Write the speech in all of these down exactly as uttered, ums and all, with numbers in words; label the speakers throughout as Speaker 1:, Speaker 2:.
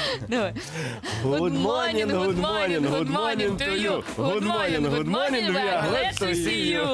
Speaker 1: Давай.
Speaker 2: Good morning, good morning, good morning to you. Good morning, good morning, we are glad to see you.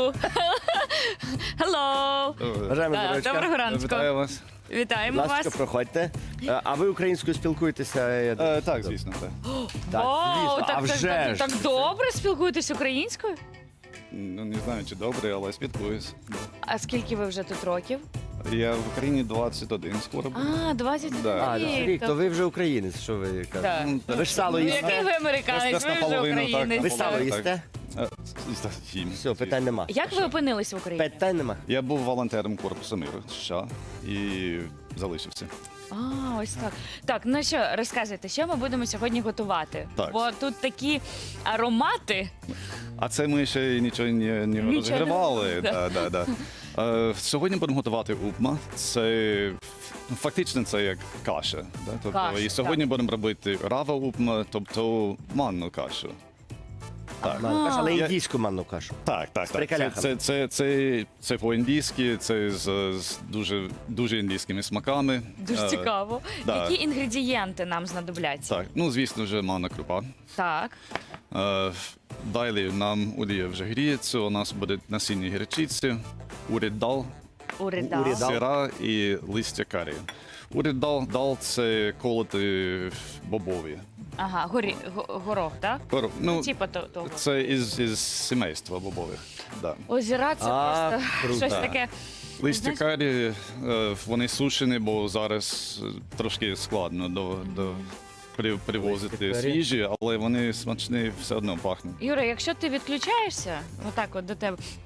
Speaker 1: Hello.
Speaker 2: Бажаємо
Speaker 1: Да,
Speaker 2: здоров'ячка.
Speaker 1: Доброго ранку.
Speaker 3: Вітаю вас.
Speaker 1: Вітаємо
Speaker 2: Ласка,
Speaker 1: вас.
Speaker 2: проходьте. Е, А ви українською спілкуєтеся? я думаю?
Speaker 3: Е, так, звісно, так.
Speaker 2: Так,
Speaker 1: Вау,
Speaker 2: звісно.
Speaker 1: так,
Speaker 2: А
Speaker 1: так,
Speaker 2: вже
Speaker 1: так,
Speaker 2: ж.
Speaker 1: так добре спілкуєтесь українською?
Speaker 3: Ну, не знаю, чи добре, але спілкуюсь.
Speaker 1: А скільки ви вже тут років?
Speaker 3: Я в Україні двадцять один скоро буде.
Speaker 1: А, двадцять один
Speaker 3: Да.
Speaker 2: А,
Speaker 1: рік.
Speaker 2: рік, то ви вже українець, що ви
Speaker 1: Так.
Speaker 2: кажете? Ви ж сало
Speaker 1: Ну,
Speaker 2: їсте?
Speaker 1: який ви американець,
Speaker 3: Десь
Speaker 1: ви вже
Speaker 3: наполовину, так,
Speaker 1: українець.
Speaker 2: Ви
Speaker 3: наполовину.
Speaker 2: сало
Speaker 3: так.
Speaker 2: їсте?
Speaker 3: Е, їм.
Speaker 2: Все, питань нема.
Speaker 1: Як ви опинились в Україні?
Speaker 2: Питань нема.
Speaker 3: Я був волонтером Корпусу миру США і залишився.
Speaker 1: А, ось так. Так, ну що, розказуйте, що ми будемо сьогодні готувати?
Speaker 3: Так.
Speaker 1: Бо тут такі аромати.
Speaker 3: А це ми ще нічого не, не
Speaker 1: Нічого не
Speaker 3: розігрівали.
Speaker 1: робили,
Speaker 3: Да, да, да. Е, сьогодні будемо готувати упма. Це ну, фактично це як каша. Да? Тобто,
Speaker 1: Каша,
Speaker 3: і сьогодні будемо робити рава упма, тобто манну кашу. Так.
Speaker 2: Манну кашу, але
Speaker 3: Я-
Speaker 2: індійську манну кашу.
Speaker 3: Так, так, так. Це,
Speaker 2: приколяхами.
Speaker 3: це, це, це, це по-індійськи, це з, з дуже, дуже індійськими смаками.
Speaker 1: Дуже
Speaker 3: Е,
Speaker 1: цікаво.
Speaker 3: да.
Speaker 1: Які інгредієнти нам знадобляться?
Speaker 3: Так, ну звісно ж, манна крупа.
Speaker 1: Так.
Speaker 3: Е, Далі нам олія вже гріється, у нас буде насіння гірчиці, уріддал,
Speaker 1: Уридал.
Speaker 2: Уридал.
Speaker 3: сира і листя карі. Уріддал дал це колоти бобові.
Speaker 1: Ага, горі, го- горох, так?
Speaker 3: Горо- Ну,
Speaker 1: Типа то- того.
Speaker 3: це із, із сімейства бобових. Да.
Speaker 1: Озіра це
Speaker 2: А,
Speaker 1: просто
Speaker 2: круто.
Speaker 1: щось таке.
Speaker 3: Листя
Speaker 1: Знаєш-
Speaker 3: карі, е, вони сушені, бо зараз е, трошки складно до, до при- привозити
Speaker 2: Листя карі.
Speaker 3: свіжі, але вони смачні, все одно пахнуть.
Speaker 1: Юра, якщо ти відключаєшся, отак от до тебе, ну,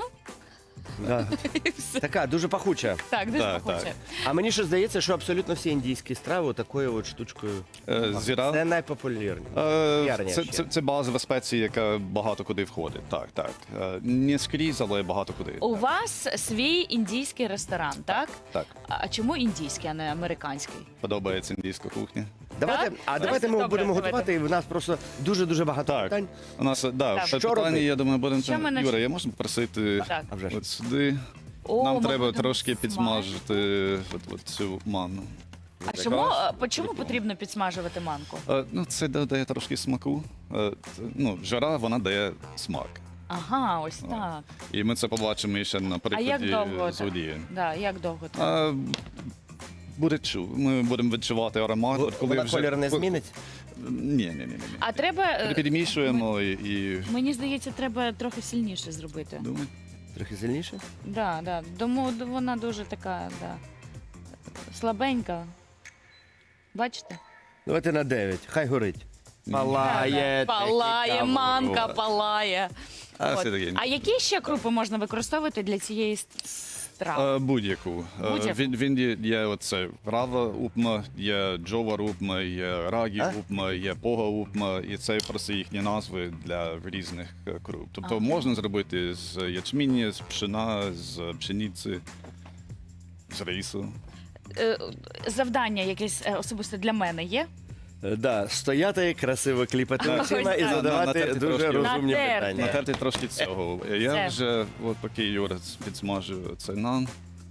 Speaker 2: Да.
Speaker 1: і все.
Speaker 2: Така, дуже пахуча.
Speaker 1: Так, дуже
Speaker 3: Так,
Speaker 1: пахуче.
Speaker 3: так.
Speaker 2: А мені ще здається, що абсолютно всі індійські страви такою от штучкою.
Speaker 3: Е, Зіра.
Speaker 2: Це найпопулярніше.
Speaker 3: Е,
Speaker 2: Популярніше.
Speaker 3: Це, це, це базова спеція, яка багато куди входить. Так, так. Е, Не скрізь, але багато куди.
Speaker 1: У вас свій індійський ресторан, так?
Speaker 3: Так,
Speaker 1: А чому індійський, а не американський?
Speaker 3: подобається індійська кухня.
Speaker 2: Давайте,
Speaker 1: Так?
Speaker 2: а
Speaker 1: Так,
Speaker 2: давайте ми
Speaker 1: добре,
Speaker 2: будемо
Speaker 1: давайте.
Speaker 2: готувати, і в нас просто дуже-дуже багато
Speaker 3: Так.
Speaker 2: питань.
Speaker 3: У нас, е, да,
Speaker 1: Так.
Speaker 3: ще
Speaker 2: Що
Speaker 3: питання,
Speaker 2: робити?
Speaker 3: я думаю, будемо...
Speaker 1: Що ми нач-
Speaker 3: Юра, я можу попросити
Speaker 1: Так.
Speaker 2: А вже ж.
Speaker 3: от сюди.
Speaker 1: О,
Speaker 3: Нам
Speaker 1: ми
Speaker 3: треба
Speaker 1: будемо
Speaker 3: трошки
Speaker 1: смажити.
Speaker 3: підсмажити от, от цю манну.
Speaker 1: А чому, а, по чому потрібно підсмажувати манку?
Speaker 3: Е, Ну, це додає трошки смаку. Е, т- Ну, жара, вона дає смак.
Speaker 1: Ага, ось так.
Speaker 3: І ми це побачимо ще на
Speaker 1: А
Speaker 3: прикладі
Speaker 1: як довго
Speaker 3: з
Speaker 1: так?
Speaker 3: олії.
Speaker 1: Да, як довго так?
Speaker 3: А, Буде чу. Ми будемо відчувати аромат.
Speaker 2: Бо-
Speaker 3: От коли
Speaker 2: Вона
Speaker 3: вже-
Speaker 2: колір не
Speaker 3: ко-
Speaker 2: зміниться?
Speaker 3: Ні, ні, ні, ні.
Speaker 1: А треба. е,
Speaker 3: Перемішуємо і, і...
Speaker 1: Мені здається, треба трохи сильніше зробити.
Speaker 3: Думаю.
Speaker 2: Трохи сильніше?
Speaker 1: Да, да. Тому вона дуже така, да. Слабенька. Бачите?
Speaker 2: Давайте на дев'ять, хай горить. Палає.
Speaker 1: Палає,
Speaker 2: техніка,
Speaker 1: манка,
Speaker 2: ворот.
Speaker 1: палає.
Speaker 3: А,
Speaker 1: От.
Speaker 3: все таке.
Speaker 1: А які ще крупи можна використовувати для цієї с- страви?
Speaker 3: Е, Будь-яку. Е,
Speaker 1: Будь-яку?
Speaker 3: Він, він є, є оце рава упма, є джова упма, є рагі
Speaker 2: А?
Speaker 3: упма, є пога упма, і це просто їхні назви для різних е, круп. Тобто
Speaker 1: Ага.
Speaker 3: можна зробити з ячміння, з пшена, з пшениці, з рису.
Speaker 1: Е, Завдання якесь е, особисто для мене є?
Speaker 2: Е, Да, стояти, красиво кліпати
Speaker 1: Ага,
Speaker 2: очима
Speaker 1: ось
Speaker 2: і
Speaker 1: так.
Speaker 2: задавати
Speaker 3: Натерти
Speaker 2: дуже
Speaker 3: трошки.
Speaker 2: розумні
Speaker 1: Натерти.
Speaker 2: питання.
Speaker 3: Натерти трошки цього. Я
Speaker 1: Це.
Speaker 3: вже, от поки Юра підсмажує це нан,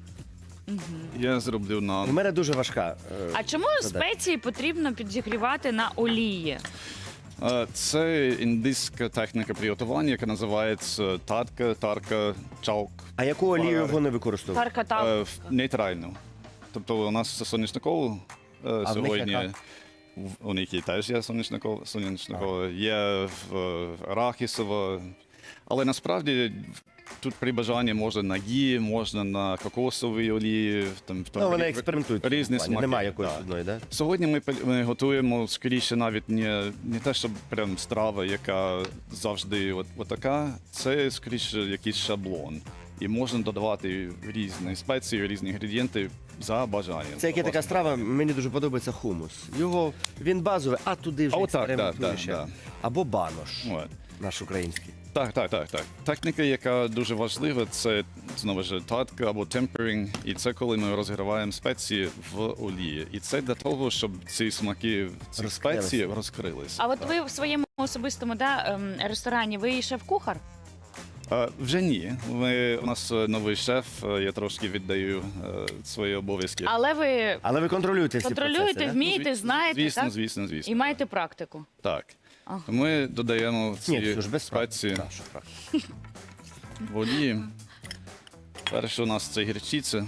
Speaker 3: я зроблю
Speaker 2: У
Speaker 3: нан.
Speaker 2: мене дуже важка. е,
Speaker 1: А чому
Speaker 2: задача.
Speaker 1: спеції потрібно підігрівати на олії?
Speaker 3: Е, Це індійська техніка приготування, яка називається татка, тарка, чаук.
Speaker 2: А яку олію
Speaker 3: Варари.
Speaker 2: вони використовують?
Speaker 1: Тарка там.
Speaker 3: Е, в- Нейтральну. Тобто у нас це соняшникову е,
Speaker 2: них
Speaker 3: сьогодні.
Speaker 2: яка?
Speaker 3: В- У них і теж є соняшникова, соняшникова, є в- е, арахісова. Але насправді тут при бажанні можна на гі, можна на кокосовій олії. Там, в-
Speaker 2: Ну, вони
Speaker 3: рі-
Speaker 2: експериментують. в
Speaker 3: різні
Speaker 2: цьому плані.
Speaker 3: смаки.
Speaker 2: Немає якоїсь
Speaker 3: Так.
Speaker 2: одної, да?
Speaker 3: Сьогодні ми, пе- ми готуємо скоріше навіть не, не те, щоб прям страва, яка завжди от, отака. Це скоріше якийсь шаблон. І можна додавати різні спеції, різні інгредієнти за бажанням.
Speaker 2: Це як є така страва, мені дуже подобається хумус. Його, він базовий, а туди вже
Speaker 3: А отак,
Speaker 2: експериментує
Speaker 3: да,
Speaker 2: ще.
Speaker 3: да, да.
Speaker 2: Або банош,
Speaker 3: От.
Speaker 2: наш український.
Speaker 3: Так, так, так, так. Техніка, яка дуже важлива, це знову ж татка або темперинг. І це коли ми розгріваємо спеції в олії. І це для того, щоб ці смаки, ці
Speaker 2: Розкрилися.
Speaker 3: спеції розкрилися.
Speaker 1: А от ви в своєму особистому да, ем, ресторані ви шеф-кухар?
Speaker 3: Е, Вже ні. Ми, у нас е, новий шеф, е, я трошки віддаю е, свої обов'язки.
Speaker 1: Але ви
Speaker 2: Але ви контролюєте всі
Speaker 1: контролюєте,
Speaker 2: процеси, да?
Speaker 1: вмієте,
Speaker 3: Зві-
Speaker 1: знаєте,
Speaker 3: звісно,
Speaker 1: так?
Speaker 3: звісно, звісно.
Speaker 1: І маєте практику.
Speaker 3: Так.
Speaker 1: Ага.
Speaker 3: Ми додаємо
Speaker 2: Ні,
Speaker 3: ці
Speaker 2: це ж без
Speaker 3: спеції
Speaker 2: практики. Да, що практика.
Speaker 3: воді. Перше у нас це гірчиця.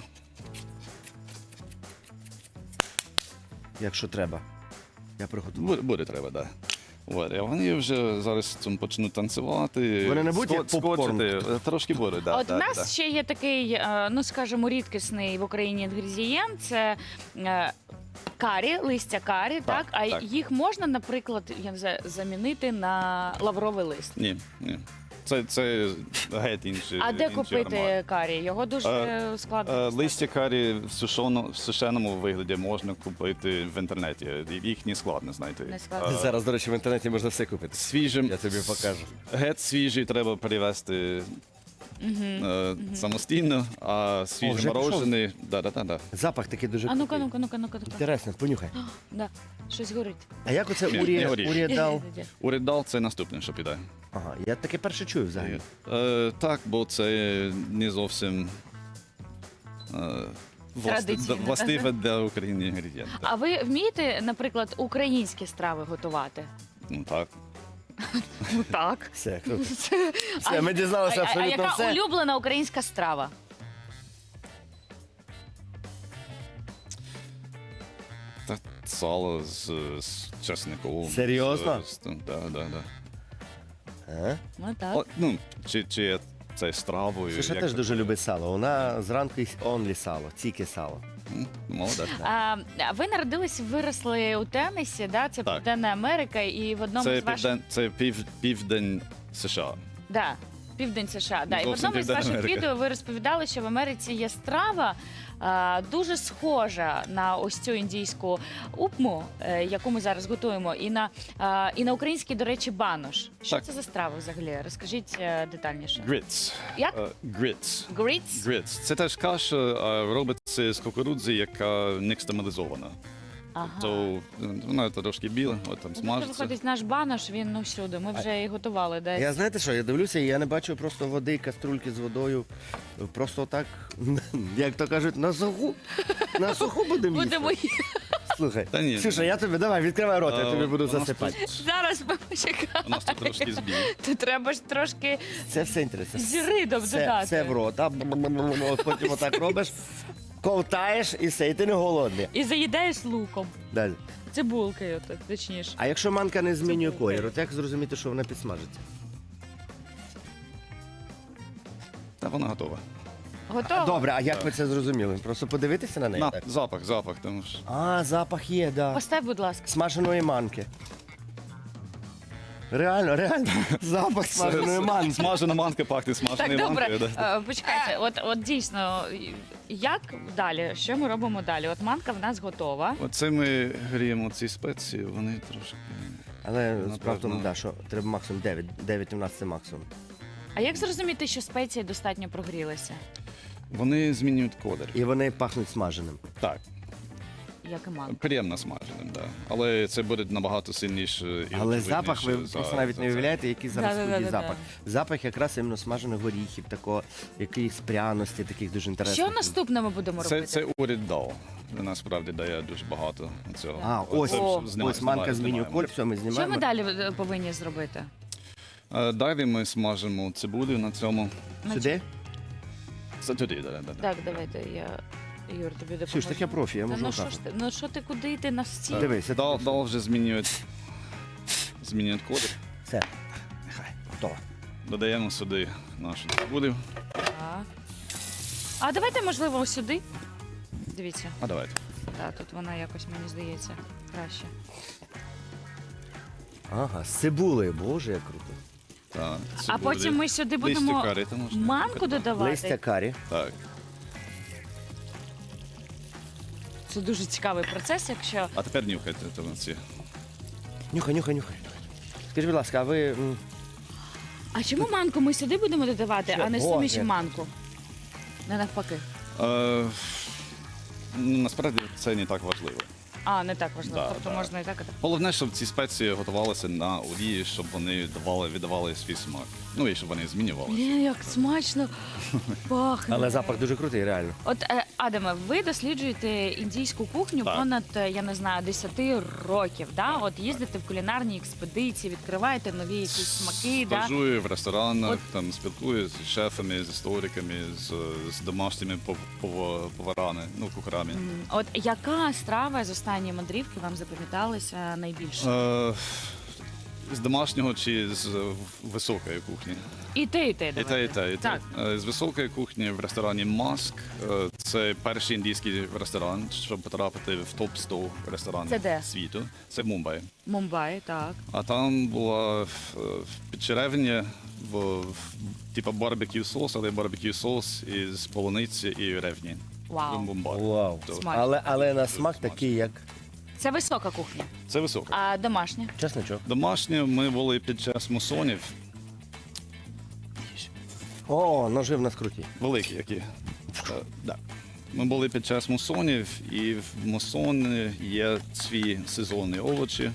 Speaker 2: Якщо треба. Я приготую.
Speaker 3: Буде, буде треба, так. Да. От, а вони вже зараз цим почнуть танцювати.
Speaker 2: Вони не будуть як
Speaker 3: ско-
Speaker 2: попкорн?
Speaker 3: скочити. Е, Трошки буде, да,
Speaker 1: От
Speaker 3: да,
Speaker 1: у нас
Speaker 3: да.
Speaker 1: ще є такий, е, ну скажімо, рідкісний в Україні інгредієнт. Це е, карі, листя карі, так?
Speaker 3: Так,
Speaker 1: А
Speaker 3: так.
Speaker 1: їх можна, наприклад, я не знаю, замінити на лавровий лист.
Speaker 3: Ні, ні. Це, це геть інший.
Speaker 1: А де
Speaker 3: інший
Speaker 1: купити
Speaker 3: аромат.
Speaker 1: карі? Його дуже
Speaker 3: Е,
Speaker 1: складно.
Speaker 3: Е,
Speaker 1: дістати.
Speaker 3: Листя карі в, сушоно, в сушеному вигляді можна купити в інтернеті. Їх не складно знайти.
Speaker 1: Не складно.
Speaker 3: Е,
Speaker 2: Зараз, до речі, в інтернеті можна все купити.
Speaker 3: Свіжим,
Speaker 2: Я тобі покажу.
Speaker 3: Геть свіжий треба перевезти е, самостійно, а
Speaker 2: вже
Speaker 3: свіжий
Speaker 2: пішов?
Speaker 3: морожений. Да, да, да, да.
Speaker 2: Запах такий дуже
Speaker 1: А ну-ка,
Speaker 2: крутий.
Speaker 1: ну-ка, ну-ка, ну-ка, ну-ка.
Speaker 2: Інтересно, понюхай.
Speaker 1: Да, щось горить.
Speaker 2: А як оце
Speaker 3: Ні,
Speaker 2: урі...
Speaker 3: не горіш.
Speaker 2: урієдал?
Speaker 3: Уридал це наступне, що піде.
Speaker 2: Ага, я таке перше чую взагалі.
Speaker 3: Е, так, бо це не зовсім е, власти-
Speaker 1: Традиційно,
Speaker 3: да- властиве для України інгредієнт.
Speaker 1: А ви вмієте, наприклад, українські страви готувати?
Speaker 3: Ну так.
Speaker 1: Ну так.
Speaker 2: Все, круто.
Speaker 1: Все,
Speaker 2: Все, ми дізналися
Speaker 1: а,
Speaker 2: абсолютно
Speaker 1: а яка
Speaker 2: все.
Speaker 1: улюблена українська страва?
Speaker 3: Та сало з, з чесником.
Speaker 2: Серйозно?
Speaker 3: З, з, да, да, да.
Speaker 2: А?
Speaker 1: Ну так.
Speaker 3: О, ну, чи, чи це стравою.
Speaker 2: Слушай,
Speaker 3: як
Speaker 2: теж
Speaker 3: це-
Speaker 2: дуже любить сало. Вона зранку їсть онлі сало, тільки сало.
Speaker 3: М, Молодець.
Speaker 1: А, ви народились, виросли у Теннессі, да? Це
Speaker 3: Так.
Speaker 1: Південна Америка, і в одному
Speaker 3: Це,
Speaker 1: з ваших...
Speaker 3: південь, це пів, південь США.
Speaker 1: Да. Південь США. Да. І в
Speaker 3: Зовсім
Speaker 1: одному з
Speaker 3: Південна
Speaker 1: ваших
Speaker 3: Америка.
Speaker 1: відео ви розповідали, що в Америці є страва а, дуже схожа на ось цю індійську упму, е, яку ми зараз готуємо, і на, а, і на український, до речі, банош. Що
Speaker 3: Так.
Speaker 1: це за страва взагалі? Розкажіть е, детальніше.
Speaker 3: Grits.
Speaker 1: Як?
Speaker 3: Е, Grits.
Speaker 1: Grits?
Speaker 3: Grits. Це теж каша, а робиться з кукурудзи, яка нікстамалізована.
Speaker 1: Ага.
Speaker 3: То вона трошки біла, от там
Speaker 1: Ну, тобто,
Speaker 3: смажиться.
Speaker 1: виходить, наш банош, він ну всюди. Ми вже і готували десь.
Speaker 2: Я знаєте що, я дивлюся, і я не бачу просто води, каструльки з водою. Просто так, як то кажуть, на суху. На суху будемо їсти.
Speaker 1: Будемо їсти.
Speaker 2: Слухай,
Speaker 3: Та ні.
Speaker 2: Ксюша, я тобі, давай, відкривай рот, я
Speaker 3: А,
Speaker 2: тобі буду
Speaker 3: у нас
Speaker 2: засипати.
Speaker 3: тут-
Speaker 1: Зараз ми почекаємо.
Speaker 3: У нас тут трошки збій.
Speaker 1: То треба ж трошки
Speaker 2: Це все інтересно.
Speaker 1: зіри додати.
Speaker 2: Все, все в рот, а От потім отак робиш, ковтаєш і все, і ти не голодний.
Speaker 1: І заїдаєш луком.
Speaker 2: Далі.
Speaker 1: Цибулкою, так, точніше.
Speaker 2: А якщо манка не змінює
Speaker 1: Це
Speaker 2: колір, от як зрозуміти, що вона підсмажиться?
Speaker 3: Та вона готова.
Speaker 1: Готово?
Speaker 2: Добре, а як ви це зрозуміли? Просто подивитися на неї?
Speaker 3: На,
Speaker 2: так?
Speaker 3: запах, запах, тому що.
Speaker 2: А, запах є, да.
Speaker 1: Постав, будь ласка.
Speaker 2: Смаженої манки. Реально, реально. Запах смаженої манки.
Speaker 3: Смажена манка пахне
Speaker 1: Так,
Speaker 3: смаженою
Speaker 1: добре,
Speaker 3: манкою. да.
Speaker 1: е, почекайте, от, от дійсно, як далі? Що ми робимо далі? От манка в нас готова.
Speaker 3: Оце ми гріємо ці спеції, вони трошки.
Speaker 2: Але
Speaker 3: Напевно.
Speaker 2: справа в тому, да, що треба максимум дев'ять. дев'ять у нас це максимум.
Speaker 1: А як зрозуміти, що спеції достатньо прогрілися?
Speaker 3: Вони змінюють колір.
Speaker 2: І вони пахнуть смаженим.
Speaker 3: Так,
Speaker 1: Як і манка.
Speaker 3: приємно смаженим, да. Але це буде набагато сильніше. і
Speaker 2: Але
Speaker 3: очевидніше
Speaker 2: запах, ви
Speaker 3: за-
Speaker 2: просто навіть
Speaker 3: за
Speaker 2: не
Speaker 3: це.
Speaker 2: уявляєте, який зараз в студії
Speaker 1: Да-да-да-да-да.
Speaker 2: запах. Запах якраз іменно смажених горіхів, такого, якихось пряності, таких дуже інтересних.
Speaker 1: Що наступне ми будемо
Speaker 3: Це,
Speaker 1: робити?
Speaker 3: це уріддал. Насправді дає дуже багато цього.
Speaker 2: А, ось,
Speaker 3: Оце
Speaker 1: О.
Speaker 3: вже знімаємо,
Speaker 2: ось манка
Speaker 3: знімаємо,
Speaker 2: змінює
Speaker 3: знімаємо.
Speaker 2: колір, все, ми
Speaker 1: Що
Speaker 2: знімаємо.
Speaker 1: ми далі е, повинні зробити?
Speaker 3: Е, Далі ми смажимо цибулю на цьому.
Speaker 2: Сюди?
Speaker 3: Це туди, да, да, да.
Speaker 1: Так, давайте я, Юр, тобі допоможу.
Speaker 2: Ксюш, так я профі, я
Speaker 1: Та
Speaker 2: можу
Speaker 1: ну що
Speaker 2: отак.
Speaker 1: ж ти, ну що ти, куди йти на стіл?
Speaker 2: Дивись, я
Speaker 3: Дал,
Speaker 2: тобі-
Speaker 3: дал вже змінюють, змінюють колір.
Speaker 2: Все. Нехай, готово.
Speaker 3: Додаємо сюди нашу цибулю.
Speaker 1: Так. А давайте, можливо, ось сюди. Дивіться,
Speaker 3: А давайте.
Speaker 1: так, тут вона якось, мені здається, краще.
Speaker 2: Ага, з цибулею, боже, як круто.
Speaker 3: Так,
Speaker 1: А
Speaker 3: цибулю.
Speaker 1: потім ми сюди
Speaker 3: Листя
Speaker 1: будемо
Speaker 3: карі, то можна
Speaker 1: манку
Speaker 3: додати.
Speaker 1: додавати.
Speaker 2: Листя карі.
Speaker 3: Так.
Speaker 1: Це дуже цікавий процес, якщо
Speaker 3: А тепер нюхайте тому ці.
Speaker 2: Нюхай, нюхай, нюхай. Скажіть, будь ласка, а ви... м,
Speaker 1: А чому манку ми сюди будемо додавати,
Speaker 2: Що?
Speaker 1: а не
Speaker 2: Боже.
Speaker 1: суміші манку? Не навпаки.
Speaker 3: Е, ну, насправді це не так важливо.
Speaker 1: А, не так важливо.
Speaker 3: Да,
Speaker 1: тобто
Speaker 3: да.
Speaker 1: можна і так, і так.
Speaker 3: Головне, щоб ці спеції готувалися на олії, щоб вони давали, віддавали свій смак. Ну і щоб вони змінювалися.
Speaker 1: Блін, як смачно пахне.
Speaker 2: Але запах дуже крутий, реально.
Speaker 1: От, е, Адаме, ви досліджуєте індійську кухню
Speaker 3: Так.
Speaker 1: понад, е, я не знаю, десять років, да? От їздите в кулінарні експедиції, відкриваєте нові якісь смаки, да?
Speaker 3: Стажую в ресторанах,
Speaker 1: От-
Speaker 3: там спілкуюся з шефами, з істориками, з, з домашніми пов- пов- поварами, ну, кухарами.
Speaker 1: М, От яка страва з останньої мандрівки вам запам'яталася найбільше?
Speaker 3: Е, з домашнього чи з е, високої кухні?
Speaker 1: І те, і те,
Speaker 3: І те, і
Speaker 1: давайте.
Speaker 3: те, і те.
Speaker 1: Так.
Speaker 3: Е, З високої кухні в ресторані Маск. Е, Це перший індійський ресторан, щоб потрапити в топ сто ресторанів
Speaker 1: Це де?
Speaker 3: світу. Це в Мумбаї.
Speaker 1: Мумбаї, так.
Speaker 3: А там була в, в підчеревні, в, в типа барбекю соус, але барбекю соус із полуниці і ревні. В
Speaker 1: Вау.
Speaker 3: Мумбаї.
Speaker 2: Вау.
Speaker 3: То-
Speaker 1: Смачно.
Speaker 2: Але, але на
Speaker 3: Дуже
Speaker 2: смак
Speaker 3: смачно.
Speaker 2: такий, як
Speaker 1: Це висока кухня.
Speaker 3: Це високо.
Speaker 1: А домашня?
Speaker 2: чесничок.
Speaker 3: Домашнє ми були під час мусонів,
Speaker 2: О, ножи в нас круті.
Speaker 3: великі які. Е, да. Ми були під час мусонів, і в мусоні є свої сезонні овочі,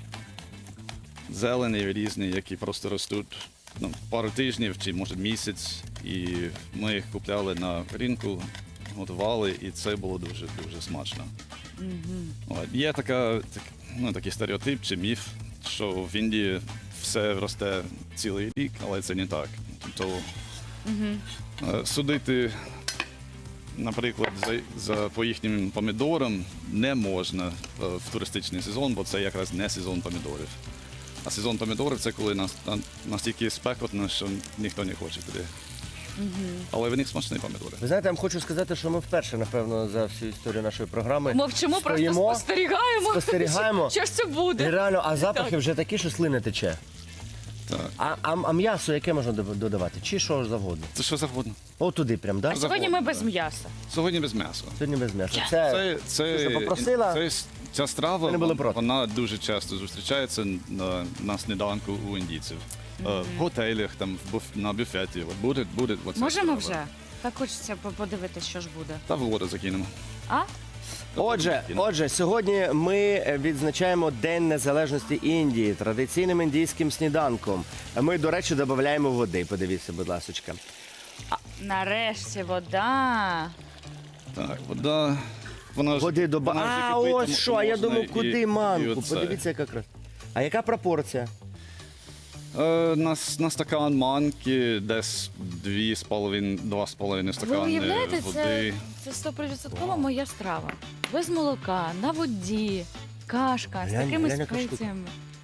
Speaker 3: зелені, різні, які просто ростуть ну, пару тижнів чи може місяць. І ми їх купляли на ринку, готували, і це було дуже дуже смачно. От. Є така, так, ну, такий стереотип чи міф, що в Індії все росте цілий рік, але це не так. Тобто е, судити, наприклад, за, за по їхнім помідорам не можна е, в туристичний сезон, бо це якраз не сезон помідорів. А сезон помідорів це коли нас, на- настільки спекотно, що ніхто не хоче туди. Але в них смачні помідори.
Speaker 2: Ви знаєте, я вам хочу сказати, що ми вперше, напевно, за всю історію нашої програми
Speaker 1: Мовчимо, просто
Speaker 2: стоїмо,
Speaker 1: спостерігаємо.
Speaker 2: спостерігаємо.
Speaker 1: Що ж це
Speaker 2: І
Speaker 1: буде?
Speaker 2: реально, а запахи вже такі, що слини тече.
Speaker 3: Так.
Speaker 2: А, а, а м'ясо яке можна дод- додавати? Чи що ж завгодно?
Speaker 3: Це що завгодно.
Speaker 2: О, туди прям, да?
Speaker 1: А сьогодні ми
Speaker 3: завгодно,
Speaker 1: без
Speaker 3: да.
Speaker 1: м'яса.
Speaker 3: Сьогодні без м'яса.
Speaker 2: Сьогодні без м'яса. Це,
Speaker 3: Це, це,
Speaker 2: Слушай, попросила?
Speaker 3: це, ця страва,
Speaker 2: Ми не були проти.
Speaker 3: вона дуже часто зустрічається на, на сніданку у індійців. Е, В готелях, там, в буф, на буфеті. От буде, буде оця
Speaker 1: Можемо
Speaker 3: страва.
Speaker 1: вже? Так хочеться по- подивитися, що ж буде.
Speaker 3: Та в воду закинемо.
Speaker 1: А?
Speaker 2: Отже, отже, сьогодні ми відзначаємо День Незалежності Індії традиційним індійським сніданком. Ми, до речі, додаємо води. Подивіться, будь ласочка.
Speaker 1: Нарешті вода.
Speaker 3: Так, вода. Вона ж-
Speaker 2: Води доба.
Speaker 3: вона вже
Speaker 2: А,
Speaker 3: кипить,
Speaker 2: ось
Speaker 3: тому
Speaker 2: що, а я
Speaker 3: можна
Speaker 2: думав,
Speaker 3: і-
Speaker 2: куди
Speaker 3: і
Speaker 2: манку.
Speaker 3: оце.
Speaker 2: Подивіться, яка краса. А яка пропорція?
Speaker 3: Е, на, с- на стакан манки десь дві з половин, два з половиною
Speaker 1: Ви
Speaker 3: стакани
Speaker 1: уявляєте,
Speaker 3: води.
Speaker 1: це, це сто моя страва. Без молока, на воді, кашка з
Speaker 2: Глянь,
Speaker 1: такими
Speaker 2: глянь, яка штука.
Speaker 1: спеціями.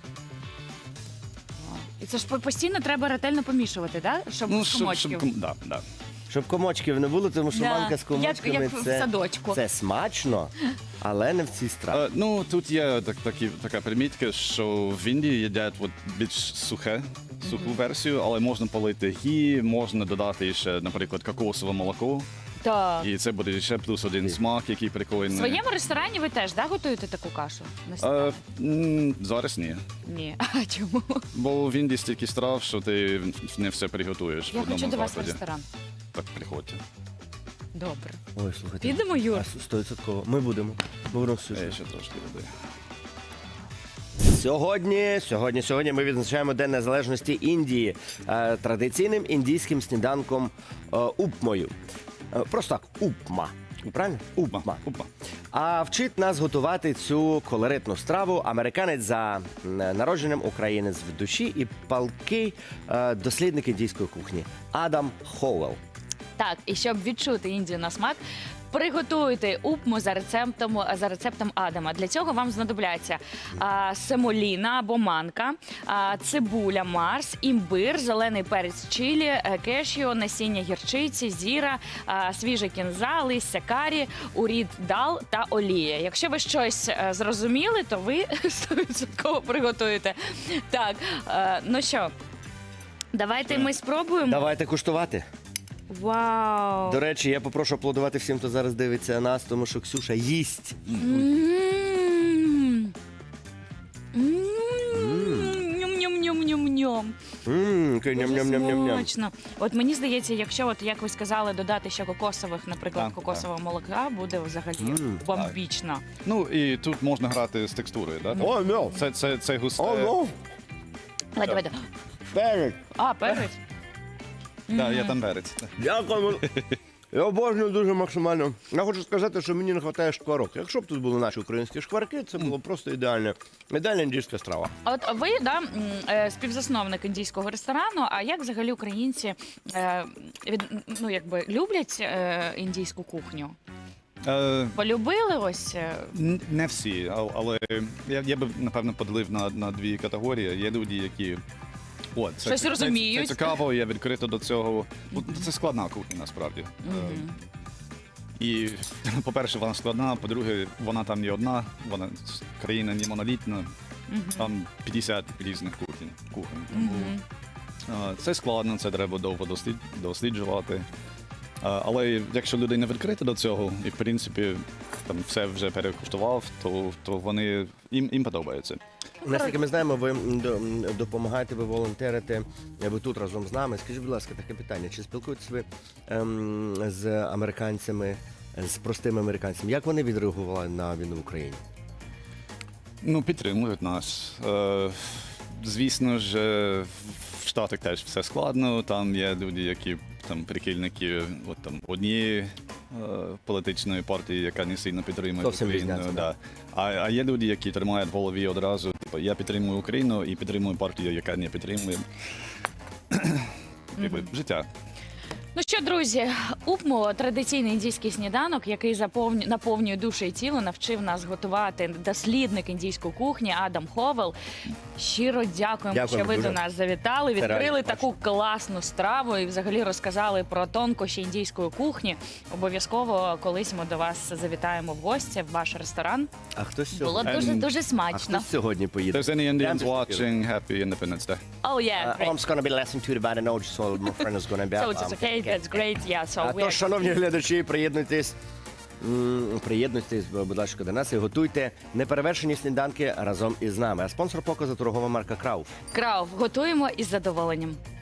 Speaker 1: Вау. І це ж по- постійно треба ретельно помішувати, да? Щоб
Speaker 3: Ну,
Speaker 1: з
Speaker 3: щоб,
Speaker 1: комочків.
Speaker 3: щоб, ком- да, да.
Speaker 2: Щоб комочків не було, тому що
Speaker 1: Да.
Speaker 2: манка з комочками
Speaker 1: Як- як в
Speaker 2: це,
Speaker 1: садочку.
Speaker 2: це смачно, але не в цій страві.
Speaker 3: Е, ну, тут є так, такі, така примітка, що в Індії їдять от більш сухе, суху версію, але можна полити гі, можна додати ще, наприклад, кокосове молоко.
Speaker 1: Так.
Speaker 3: І це буде ще плюс один смак, який
Speaker 1: В
Speaker 3: прикольний.
Speaker 1: своєму ресторані ви теж да, готуєте таку кашу? На
Speaker 3: Е,
Speaker 1: сніданок?
Speaker 3: м, зараз ні.
Speaker 1: Ні. А чому?
Speaker 3: Бо в Індії стільки страв, що ти не все приготуєш. в
Speaker 1: Я
Speaker 3: одному
Speaker 1: хочу до вас в
Speaker 3: закладі.
Speaker 1: ресторан.
Speaker 3: Так, приходьте.
Speaker 1: Добре.
Speaker 2: Ой, слухайте.
Speaker 1: Підемо, Юр?
Speaker 2: Стовідсотково. Ми будемо. Ми будемо всю.
Speaker 3: Е, ще трошки води.
Speaker 2: Сьогодні, сьогодні, сьогодні ми відзначаємо День Незалежності Індії е, традиційним індійським сніданком е, упмою. Е, просто так, упма. Правильно? Упма.
Speaker 3: Опа.
Speaker 2: А вчить нас готувати цю колоритну страву американець за м, народженням, українець в душі і палкий е, дослідник індійської кухні Адам Хоуелл.
Speaker 1: Так, і щоб відчути Індію на смак, приготуйте упму за рецептом, за рецептом Адама. Для цього вам знадобляться а, семоліна або манка, а, цибуля Марс, імбир, зелений перець чилі, е, кешю, насіння гірчиці, зіра, а, свіжа кінза, листя карі, урід дал та олія. Якщо ви щось е, зрозуміли, то ви сто відсотків приготуєте. Так, е, ну що, давайте ми спробуємо.
Speaker 2: Давайте куштувати.
Speaker 1: Вау!
Speaker 2: До речі, я попрошу аплодувати всім, хто зараз дивиться нас, тому що Ксюша їсть.
Speaker 1: М. М. Ням-ням-ням-ням-ням.
Speaker 2: М, такий
Speaker 1: Дуже
Speaker 2: ням-ням-ням-ням-ням.
Speaker 1: смачно. От мені здається, якщо от як ви сказали, додати ще кокосових, наприклад,
Speaker 3: Так,
Speaker 1: кокосового молока, буде взагалі
Speaker 2: Мм.
Speaker 1: бомбічно.
Speaker 3: Ну і тут можна грати з текстурою, да?
Speaker 2: О, ну.
Speaker 3: Це, це, це густе.
Speaker 2: О, ну.
Speaker 1: Давай, давай.
Speaker 2: Перець.
Speaker 1: А, перець.
Speaker 3: Да, я там перець.
Speaker 2: Дякуємо. Я обожнюю дуже максимально. Я хочу сказати, що мені не вистачає шкварок. Якщо б тут були наші українські шкварки, це було просто ідеальне. Ідеальна індійська страва.
Speaker 1: От ви да, м, е, співзасновник індійського ресторану. А як взагалі українці е, від, ну, якби, люблять е, індійську кухню?
Speaker 3: Е,
Speaker 1: Полюбили ось? е,
Speaker 3: н- не всі, а- але я, я би, напевно, поділив на, на дві категорії. Є люди, які. О, це,
Speaker 1: Щось
Speaker 3: це,
Speaker 1: розуміють.
Speaker 3: Це, це цікаво, я відкрито до цього. Ну, Це складна кухня, насправді. Е, І, по-перше, вона складна, по-друге, вона там не одна, вона с- країна не монолітна, там п'ятдесят різних кухонь. кухонь. Тому, е, це складно, це треба довго дослід- досліджувати. Е, Але якщо людина відкрита до цього, і в принципі там все вже перекуштував, то, то вони їм, їм подобається.
Speaker 2: Наскільки ми знаємо, ви м, до- м, допомагаєте, ви волонтерите, ви тут разом з нами. Скажіть, будь ласка, таке питання. Чи спілкуєтесь ви ем, з американцями, з простими американцями? Як вони відреагували на війну в Україні?
Speaker 3: Ну, підтримують нас. Е, звісно ж, е, в Штатах теж все складно. Там є люди, які там прихильники от, там, однієї е, політичної партії, яка не сильно підтримує
Speaker 2: Зовсім
Speaker 3: Україну.
Speaker 2: різняться,
Speaker 3: Да. А, а є люди, які тримають в голові одразу. Типу, я підтримую Україну і підтримую партію, яка не підтримує. Якби, життя.
Speaker 1: Ну що, друзі, упмо традиційний індійський сніданок, який заповню- наповнює душу і тіло, навчив нас готувати дослідник індійської кухні Адам Ховел. Щиро дякуємо,
Speaker 2: Дякуємо
Speaker 1: що ви
Speaker 2: дуже.
Speaker 1: до нас завітали,
Speaker 2: Це реально
Speaker 1: відкрили
Speaker 2: смачно.
Speaker 1: таку класну страву і взагалі розказали про тонкощі індійської кухні. Обов'язково колись ми до вас завітаємо в гості в ваш ресторан.
Speaker 2: А хтось
Speaker 1: Було
Speaker 2: сьогодні,
Speaker 1: дуже
Speaker 3: Ем,
Speaker 1: дуже
Speaker 2: а
Speaker 1: смачно.
Speaker 2: хтось сьогодні поїде?
Speaker 3: There's any Indians
Speaker 2: Прямо
Speaker 3: watching, happy Independence Day.
Speaker 1: Oh yeah,
Speaker 2: Uh,
Speaker 1: great.
Speaker 2: I'm gonna be less than two about an age, so my friend is gonna be
Speaker 1: So
Speaker 2: up.
Speaker 1: it's
Speaker 2: Um,
Speaker 1: okay, that's great, yeah, so
Speaker 2: А
Speaker 1: we
Speaker 2: то,
Speaker 1: are-
Speaker 2: шановні глядачі, приєднуйтесь, м, приєднуйтесь, будь ласка, до нас і готуйте неперевершені сніданки разом із нами. А спонсор показу торгова марка Крауф.
Speaker 1: Крауф, готуємо із задоволенням.